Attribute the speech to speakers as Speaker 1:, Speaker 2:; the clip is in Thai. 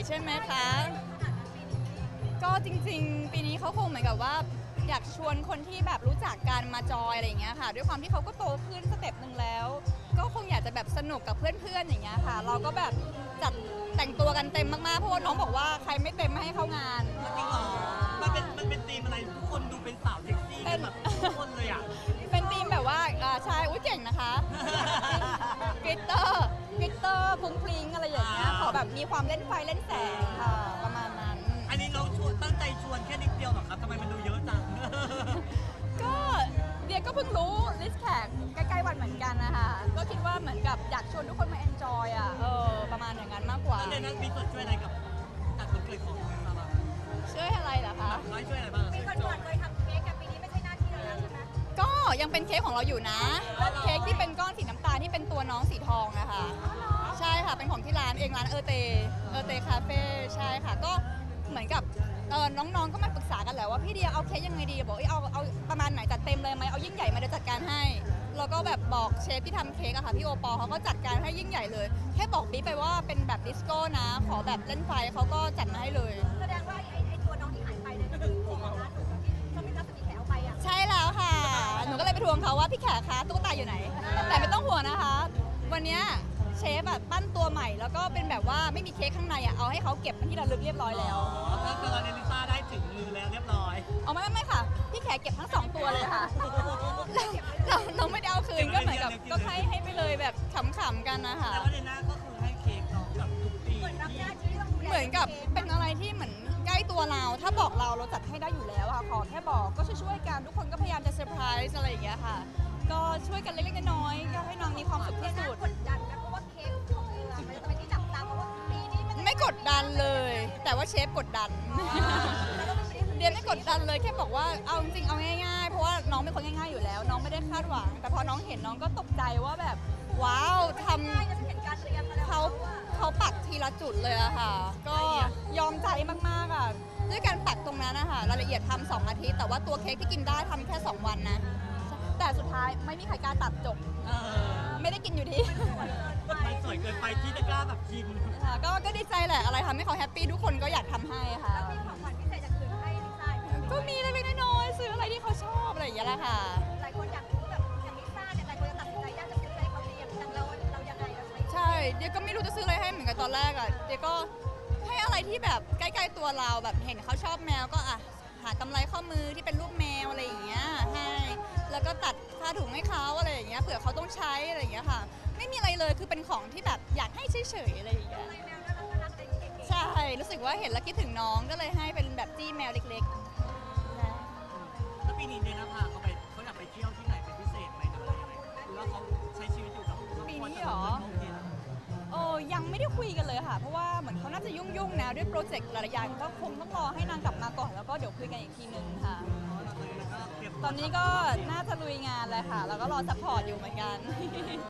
Speaker 1: ใช่ไหมคะก็จริงๆปีนี้เขาคงเหมือนกับว่าอยากชวนคนที่แบบรู้จักกันมาจอยอะไรอย่างเงี้ยค่ะด้วยความที่เขาก็โตขึ้นสเต็ปหนึ่งแล้วก็คงอยากจะแบบสนุกกับเพื่อนๆอย่างเงี้ยค่ะเราก็แบบจัดแต่งตัวกันเต็มมากๆเพราะว่าน้องบอกว่าใครไม่เต็มไม่ให้เข้างาน
Speaker 2: จริงเหรอมันเป็นธีมอะไรทุกคนดูเป็นสาวเซ็กซี่กันแบบทุกคนเลยอ่ะ
Speaker 1: เป็นธีมแบบว่าใช่อุ้ยเก่งนะคะกลิตเตอร์พรุ้งพริ้งอะไรอย่างเงี้ยขอแบบมีความเล่นไฟเล่นแสงค่ะประมาณนั้น
Speaker 2: อันนี้เราชวนตั้งใจชวนแค่นิดเดียวเหรอครับทำไมมันดูเยอะจัง
Speaker 1: ก็เดียก็เพิ่งรู้ลิสต์แขกใกล้ๆวันเหมือนกันนะคะก็คิดว่าเหมือนกับอยากชวนทุกคนมาเอนจอยอ่ะประมาณอย่างนั้นมากกว่า
Speaker 2: แล้วเดนนัทมีส่วนช่วยอะไรกับจัดวันเกิดของซาร่า
Speaker 1: ช่วยอะไรเหรอคะ
Speaker 2: น้อยช่วยอะไรบ้าง
Speaker 3: ปีก่อนๆเคยทำเค้กกับปีนี้ไม่ใช่หน้าที่เราแล้วใช่ไหม
Speaker 1: ก็ยังเป็นเค้กของเราอยู่นะเค้กที่เป็นก้อนสีน้ำตาลที่เป็นตัวน้องสีทองนะคะใช่ค่ะเป็นของที่ร้านเองร้านเตคาเฟ่ใช่ค่ะก็เหมือนกับน้องๆก็มาปรึกษากันแหละว่าพี่เดียเอาเค้กยังไงดีบอกเอาประมาณไหนจัดเต็มเลยไหมเอายิ่งใหญ่มาเดี๋ยวจัดการให้แล้วก็แบบบอกเชฟที่ทำเค้กอะค่ะพี่โอปอเขาก็จัดการให้ยิ่งใหญ่เลยแค่บอกบิ๊กไปว่าเป็นแบบดิสโก้นะขอแบบเล่นไฟเขาก็จัดมาให้เลย
Speaker 3: แสดงว่าไอ้ตัวน้องที่หายไปเนี่ยก็คือตัวของร้านถูกที่เขาไม่รับสติแขกเอาไปอ่ะ
Speaker 1: ใช่แล้วค่ะ หนูก็เลยไปทวงเขาว่าพี่แขกคะตุ๊กตาอยู่ไหน แต่ไม่ต้องห่วงนะคะ วันเนี้ยเชฟแบบปั้นตัวใหม่แล้วก็เป็นแบบว่าไม่มีเค้กข้างในอ่ะเอาให้เขาเก็บเป็นที่ระลึกเรียบร้อยแล้ว
Speaker 2: ถ้าตอนนี้ลิซ่าได้ถึงมือแล้วเรียบร้อย
Speaker 1: เอาไม่ค่ะ พี่แขกเก็บทั้งสองตัวเลยค่ะเราไม่ได้เอาคืนก็เหมือนกับก็ให้ไปเลยแบบขำๆกันนะคะ
Speaker 2: แต่ว่าเดนน่าก็คือให้เค้กน้องกับทุกปี
Speaker 3: เหมือนรับหน้าที่ต้องดูแล
Speaker 1: เหมือนกับเป็นอะไรที่เหมือนใกล้ตัวเรา ถ้าบอกเราจัดให้ได้อยู่แล้วอะขอแค่บอกก็ช่วยๆกันทุกคนก็พยายามจะเซอร์ไพรส์อะไรอย่างเงี้ยค่ะ ก็ช่วยกันเล็กๆน้อยๆก็ให้น้องมีความสุขที่สุด
Speaker 3: กดดันนะเพราะว่าเค้กของเธอมันจะเป็นที่จับตาเพราะว่าปีนี้มัน
Speaker 1: ไม่กดดันเลย แต่ว่าเชฟกดดัน เดียนไม่กดดันเลยแค่บอกว่าเอาจริงๆเอาง่ายๆเพราะว่าน้องเป็นคนง่ายๆอยู่แล้ว น้องไม่ได้คาดหวัง แต่พอน้องเห็นน้องก็ตกใจว่าแบบว้าวทำ
Speaker 3: ง่ายจะเห็นการเตรียมมาแล้ว
Speaker 1: เขาปักทีละจุดเลยอะค่ะ ก็ยอมใจมากๆอะด้วยการปักตรงนั้นนะคะรายละเอียดทำ2 อาทิตย์แต่ว่าตัวเค้กที่กินได้ทำแค่2 วันนะแต่สุดท้ายไม่มีใครกล้าตัดจบ ไม่ได้กินอยู่ดี
Speaker 2: มันสวยเกินไปที่จะกล้าแบบกิน
Speaker 1: ค่ะก็ดีใจแหละอะไรทำให้เขาแฮปปี้ทุกคนก็อยากทำให้ค่ะ
Speaker 3: แล้วมีของขวัญพิเศษจากคืนให้ลิซ่า
Speaker 1: ก็มีเล็กๆน้อยๆซื้ออะไรที่เขาชอบอะไรอย่างเงี้ยแหละค่ะ
Speaker 3: หลายคนอยากรู้แบบอย่างลิซ่าเนี่ยหลายคนจะตัดสินใจยากจะซื้ออะไรเขาเตรียมแต่เรายังไงเราใช้
Speaker 1: ใช่เดี๋ยวก็ไม่รู้จะซื้ออะไรให้เหมือนกันตอนแรกอ่ะเดี๋ยวก็ให้อะไรที่แบบใกล้ๆตัวเราแบบเห็นเขาชอบแมวก็อ่ะหากำไรข้อมือที่เป็นรูปแมวอะไรอย่างเงี้ยให้แล้วก็ตัดผ้าถุงให้เขาอะไรอย่างเงี้ยเผื่อเขาต้องใช้อะไรอย่างเงี้ยค่ะ ไม่มีอะไรเลยคือเป็นของที่แบบอยากให้เฉยๆอะไรอย่างเงี้ย
Speaker 3: อะไรแมวน่ารักน่ารักอะไรเก๋ๆ
Speaker 1: ใช่รู้สึกว่าเห็นแล้วคิดถึงน้องก็เลยให้เป็นแบบจี้แมวเล็กๆนะ
Speaker 2: แล้วปีนี้เดนน่าพาเขาอยากไปเที่ยวที่ไหนเป็นพิเศษไหมหรืออะไรยังไงหรือว่าเขาใช้ชีวิตอยู่กับครอบครัว
Speaker 1: ปีนี้เหรอ
Speaker 2: โอเคแล้ว
Speaker 1: ยังไม่ได้คุยกันเลยค่ะ เพราะว่าเหมือนเขาน่าจะยุ่งๆนะด้วยโปรเจกต์หลายๆอย่างก็คงต้องรอให้นางกลับมาก่อนแล้วก็เดี๋ยวคุยกันอีกทีนึงค่ะ ตอนนี้ก็น่าจะลุยงานเลยค่ะ แล้วก็รอซัพพอร์ตอยู่เหมือนกัน